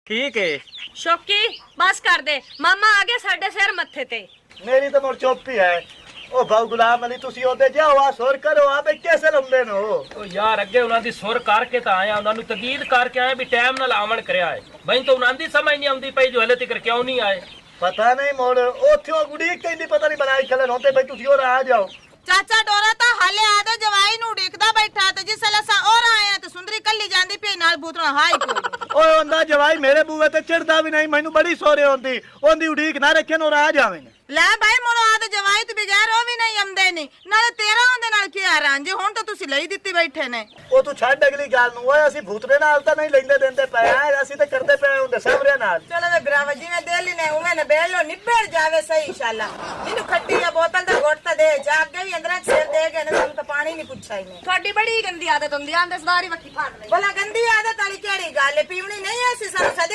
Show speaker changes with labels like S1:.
S1: ठीक है।
S2: शौकी बस कर दे, मामा आ गया साडे सिर मत्थे ते।
S3: मेरी तो मुड़ चुप ही है। ओ भाऊ गुलाम अली तुसी ओदे जाओ आ सुर करो आ बे कैसे लंबे नो।
S4: ओ यार अगे उन्हां दी सुर करके तां आया, उन्हां नु तकीद करके आया भी टाइम नाल आवन करया है। मैं तो उन्हां दी समझ नहीं आउंदी पई जो हले तक क्यों नहीं आए।
S3: पता नहीं मोड़ ओथे गुड़ी कहंदी पता नहीं बनाई खलन होते भाई तुसी और आ जाओ।
S5: चाचा डोरा तो हाले आदे जवाई नु देखदा बैठा ते जिसले सा और आया ते सुंदरी कल्ली जांदी पे नाल भूतना हाई कोई।
S3: ओए ओंदा जवाई मेरे बूहे ते चढ़दा भी नहीं, मैनू बड़ी सोरे होंदी ओंदी उड़ीक ना रखे नो आ जावे।
S5: ले भाई मोरो आदे जवाई ते बगैर ओ भी नहीं आंदे नहीं नाले तेरा ओंदे नाल की रांझे हुन तो तुसी ਲਈ ਦਿੱਤੀ बैठे ने।
S3: ओ तू छੱਡ अगली गल नु ओए ਅਸੀਂ ਭੂਤਰੇ ਨਾਲ ਤਾਂ ਨਹੀਂ ਲੈਂਦੇ ਦਿੰਦੇ ਪਏ ਆ, ਅਸੀਂ ਤਾਂ ਕਰਦੇ ਪਏ ਹੁੰਦੇ ਸਾਹਮਣੇ ਨਾਲ।
S5: चलो वे ब्रावा जी में दे लेने उमे ने बेलो निबड़ जावे सही इंशाल्लाह। इनु खट्टी या बोतल दा घोट दे जाग के भी अंदर सिर दे गए ने तुम तो पानी नहीं पूछा ही ने।
S2: ਤੁਹਾਡੀ ਬੜੀ ਗੰਦੀ ਆਦਤ ਹੁੰਦੀ ਆਂਦੇ ਸਦਾਰੀ ਵੱਖੀ ਫਾੜ ਲੈ।
S5: भला गंदी आदत वाली केड़ी गल है, पीवनी नहीं है सी सब